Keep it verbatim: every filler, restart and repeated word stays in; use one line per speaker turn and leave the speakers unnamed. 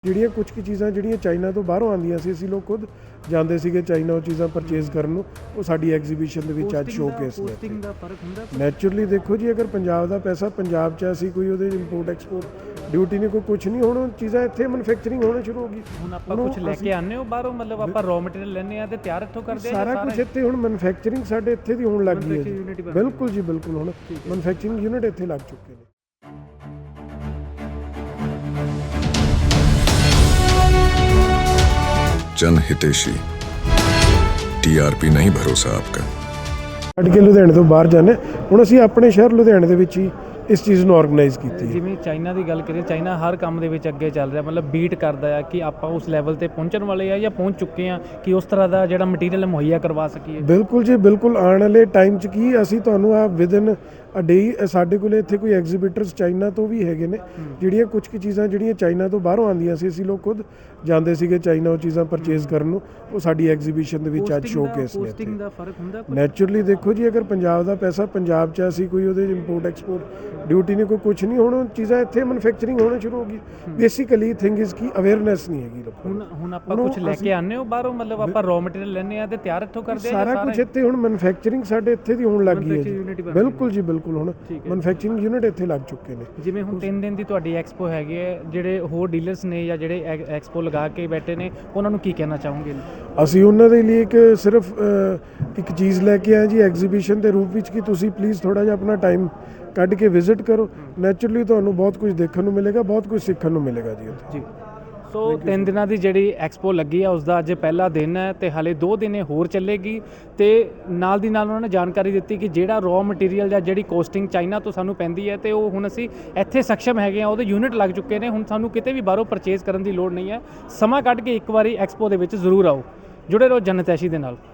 ਜਿਹੜੀਆਂ ਕੁਝ ਕੀ ਚੀਜ਼ਾਂ ਜਿਹੜੀਆਂ ਚਾਈਨਾ ਤੋਂ ਬਾਹਰੋਂ ਆਉਂਦੀਆਂ ਸੀ, ਅਸੀਂ ਲੋਕ ਖੁਦ ਜਾਂਦੇ ਸੀਗੇ ਚਾਈਨਾ ਉਹ ਚੀਜ਼ਾਂ ਪਰਚੇਜ਼ ਕਰਨ ਨੂੰ। ਉਹ ਸਾਡੀ ਐਗਜ਼ੀਬਿਸ਼ਨ ਦੇ ਵਿੱਚ ਅੱਜ ਸ਼ੋਕੇਸ ਨੇ।
ਕੋਸਟਿੰਗ ਦਾ ਫਰਕ ਹੁੰਦਾ
ਨੈਚੁਰਲੀ ਦੇਖੋ ਜੀ, ਅਗਰ ਪੰਜਾਬ ਦਾ ਪੈਸਾ ਪੰਜਾਬ 'ਚ ਅਸੀਂ ਕੋਈ ਉਹਦੇ ਇੰਪੋਰਟ ਐਕਸਪੋਰਟ ਡਿਊਟੀ ਨਹੀਂ, ਕੋਈ ਕੁਝ ਨਹੀਂ, ਹੁਣ ਚੀਜ਼ਾਂ ਇੱਥੇ ਮੈਨੂਫੈਕਚਰਿੰਗ ਹੋਣਾ ਸ਼ੁਰੂ ਹੋ ਗਈ।
ਹੁਣ ਆਪਾਂ ਕੁਝ ਲੈ ਕੇ ਆਉਂਦੇ ਹੋ ਬਾਹਰੋਂ, ਮਤਲਬ ਆਪਾਂ ਰॉ ਮਟੀਰੀਅਲ ਲੈਂਦੇ ਆ ਤੇ ਤਿਆਰ ਇੱਥੋਂ ਕਰਦੇ ਆ
ਸਾਰਾ ਕੁਝ ਇੱਥੇ ਹੁਣ ਮੈਨੂਫੈਕਚਰਿੰਗ ਸਾਡੇ ਇੱਥੇ ਦੀ ਹੋਣ ਲੱਗ ਗਈ ਹੈ ਜੀ। ਬਿਲਕੁਲ ਜੀ ਬਿਲਕੁਲ, ਹੁਣ ਮੈਨੂਫੈਕਚਰਿੰਗ ਯੂਨਿਟ ਇੱਥੇ ਲੱਗ ਚੁੱਕੇ ਨੇ।
जन हितेशी टीआरपी नहीं भरोसा आपका।
ਛੱਡ ਕੇ ਲੁਧਿਆਣੇ ਤੋਂ ਬਾਹਰ ਜਾਂਦੇ ਹੁਣ ਅਸੀਂ ਆਪਣੇ ਸ਼ਹਿਰ ਲੁਧਿਆਣੇ ਦੇ ਵਿੱਚ ਹੀ ਇਸ ਚੀਜ਼ ਨੂੰ ਆਰਗੇਨਾਈਜ਼ ਕੀਤੀ ਹੈ।
ਜਿਵੇਂ ਚਾਈਨਾ ਦੀ ਗੱਲ ਕਰੀਏ, ਚਾਈਨਾ ਹਰ ਕੰਮ ਦੇ ਵਿੱਚ ਅੱਗੇ ਚੱਲ ਰਿਹਾ, ਮਤਲਬ ਬੀਟ ਕਰਦਾ ਆ ਕਿ ਆਪਾਂ ਉਸ ਲੈਵਲ ਤੇ ਪਹੁੰਚਣ ਵਾਲੇ ਆ ਜਾਂ ਪਹੁੰਚ ਚੁੱਕੇ ਆ ਕਿ ਉਸ ਤਰ੍ਹਾਂ ਦਾ ਜਿਹੜਾ ਮਟੀਰੀਅਲ ਮੁਹੱਈਆ ਕਰਵਾ ਸਕੀਏ।
ਬਿਲਕੁਲ ਜੀ ਬਿਲਕੁਲ, ਆਉਣ ਵਾਲੇ ਟਾਈਮ 'ਚ ਕੀ ਅਸੀਂ ਤੁਹਾਨੂੰ ਆ ਵਿਦਨ ਅ ਡੇ ਸਾਡੇ ਕੋਲ ਇੱਥੇ ਕੋਈ ਐਗਜ਼ੀਬਿਟਰਸ ਚਾਈਨਾ ਤੋਂ ਵੀ ਹੈਗੇ ਨੇ। ਜਿਹੜੀਆਂ ਕੁਝ ਕੀ ਚੀਜ਼ਾਂ ਜਿਹੜੀਆਂ ਚਾਈਨਾ ਤੋਂ ਬਾਹਰੋਂ ਆਉਂਦੀਆਂ ਸੀ, ਅਸੀਂ ਲੋਕ ਖੁਦ ਜਾਂਦੇ ਸੀਗੇ ਚਾਈਨਾ ਉਹ ਚੀਜ਼ਾਂ ਪਰਚੇਜ਼ ਕਰਨ ਨੂੰ। ਉਹ ਸਾਡੀ ਐਗਜ਼ੀਬਿਸ਼ਨ ਦੇ ਵਿੱਚ ਅੱਜ ਸ਼ੋਕੇਸ ਨੇ।
ਕੋਸਟਿੰਗ ਦਾ ਫਰਕ ਹੁੰਦਾ
ਨੈਚੁਰਲੀ ਦੇਖੋ ਜੀ, ਅਗਰ ਪੰਜਾਬ ਦਾ ਪੈਸਾ ਪੰਜਾਬ 'ਚ ਅਸੀਂ ਕੋਈ ਉਹਦੇ ਇੰਪੋਰਟ ਐਕਸਪੋਰਟ ਡਿਊਟੀ ਨਹੀਂ, ਕੋਈ ਕੁਝ ਨਹੀਂ, ਹੁਣ ਚੀਜ਼ਾਂ ਇੱਥੇ ਮੈਨੂਫੈਕਚਰਿੰਗ ਹੋਣਾ ਸ਼ੁਰੂ ਹੋ ਗਈ। ਬੇਸਿਕਲੀ ਥਿੰਗ ਇਜ਼ ਕੀ ਅਵੇਅਰਨੈਸ ਨਹੀਂ ਹੈਗੀ ਲੋਕਾਂ ਨੂੰ।
ਹੁਣ ਹੁਣ ਆਪਾਂ ਕੁਝ ਲੈ ਕੇ ਆਉਂਦੇ ਹੋ ਬਾਹਰੋਂ, ਮਤਲਬ ਆਪਾਂ ਰॉ ਮਟੀਰੀਅਲ ਲੈਂਦੇ ਆ ਤੇ ਤਿਆਰ ਇੱਥੋਂ ਕਰਦੇ ਆ
ਸਾਰਾ ਕੁਝ ਇੱਥੇ ਹੁਣ ਮੈਨੂਫੈਕਚਰਿੰਗ ਸਾਡੇ ਇੱਥੇ ਦੀ ਹੋਣ ਲੱਗ ਗਈ ਹੈ ਜੀ। ਬਿਲਕੁਲ ਜੀ ਬਿਲਕੁਲ, ਹੁਣ ਮੈਨੂਫੈਕਚਰਿੰਗ ਯੂਨਿਟ ਇੱਥੇ ਲੱਗ ਚੁੱਕੇ ਨੇ।
ਜਿਵੇਂ ਹੁਣ ਤਿੰਨ ਦਿਨ ਦੀ ਤੁਹਾਡੀ ਐਕਸਪੋ ਹੈਗੀ ਹੈ, ਜਿਹੜੇ ਹੋਰ ਡੀਲਰਸ ਨੇ ਜਾਂ ਜਿਹੜੇ ਐਕਸਪੋ ਲਗਾ ਕੇ ਬੈਠੇ ਨੇ, ਉਹਨਾਂ ਨੂੰ ਕੀ ਕਹਿਣਾ ਚਾਹੋਗੇ?
ਅਸੀਂ ਉਹਨਾਂ ਦੇ ਲਈ ਇੱਕ ਸਿਰਫ ਇੱਕ ਚੀਜ਼ ਲੈ ਕੇ ਆਏ ਜੀ ਐਗਜ਼ੀਬਿਸ਼ਨ ਦੇ ਰੂਪ ਵਿੱਚ ਕਿ ਤੁਸੀਂ ਪਲੀਜ਼ ਥੋੜ੍ਹਾ ਜਿਹਾ ਆਪਣਾ ਟਾਈਮ ਕੱਢ ਕੇ ਵਿਜ਼ਿਟ ਕਰੋ। ਨੈਚੁਰਲੀ ਤੁਹਾਨੂੰ ਬਹੁਤ ਕੁਝ ਦੇਖਣ ਨੂੰ ਮਿਲੇਗਾ, ਬਹੁਤ ਕੁਝ ਸਿੱਖਣ ਨੂੰ ਮਿਲੇਗਾ ਜੀ ਉੱਥੇ।
ਜੀ, ਸੋ ਤਿੰਨ ਦਿਨਾਂ ਦੀ ਜਿਹੜੀ ਐਕਸਪੋ ਲੱਗੀ ਆ ਉਸ ਦਾ ਅੱਜ ਪਹਿਲਾ ਦਿਨ ਹੈ ਤੇ ਹਾਲੇ ਦੋ ਦਿਨ ਇਹ ਹੋਰ ਚੱਲੇਗੀ। ਤੇ ਨਾਲ ਦੀ ਨਾਲ ਉਹਨਾਂ ਨੇ ਜਾਣਕਾਰੀ ਦਿੱਤੀ ਕਿ ਜਿਹੜਾ ਰॉ ਮਟੀਰੀਅਲ ਜਾਂ ਜਿਹੜੀ ਕੋਸਟਿੰਗ ਚਾਈਨਾ ਤੋਂ ਸਾਨੂੰ ਪੈਂਦੀ ਹੈ ਤੇ ਉਹ ਹੁਣ ਅਸੀਂ ਇੱਥੇ ਸક્ષਮ ਹੈਗੇ ਆ, ਉਹਦੇ ਯੂਨਿਟ ਲੱਗ ਚੁੱਕੇ ਨੇ। ਹੁਣ ਸਾਨੂੰ ਕਿਤੇ ਵੀ ਬਾਹਰੋਂ ਪਰਚੇਜ਼ ਕਰਨ ਦੀ ਲੋੜ ਨਹੀਂ ਹੈ। ਸਮਾਂ ਕੱਢ ਕੇ ਇੱਕ ਵਾਰੀ ਐਕਸਪੋ ਦੇ ਵਿੱਚ ਜ਼ਰੂਰ ਆਓ। ਜੁੜੇ ਰਹੋ ਜਨ ਹਿਤੈਸ਼ੀ ਦੇ ਨਾਲ।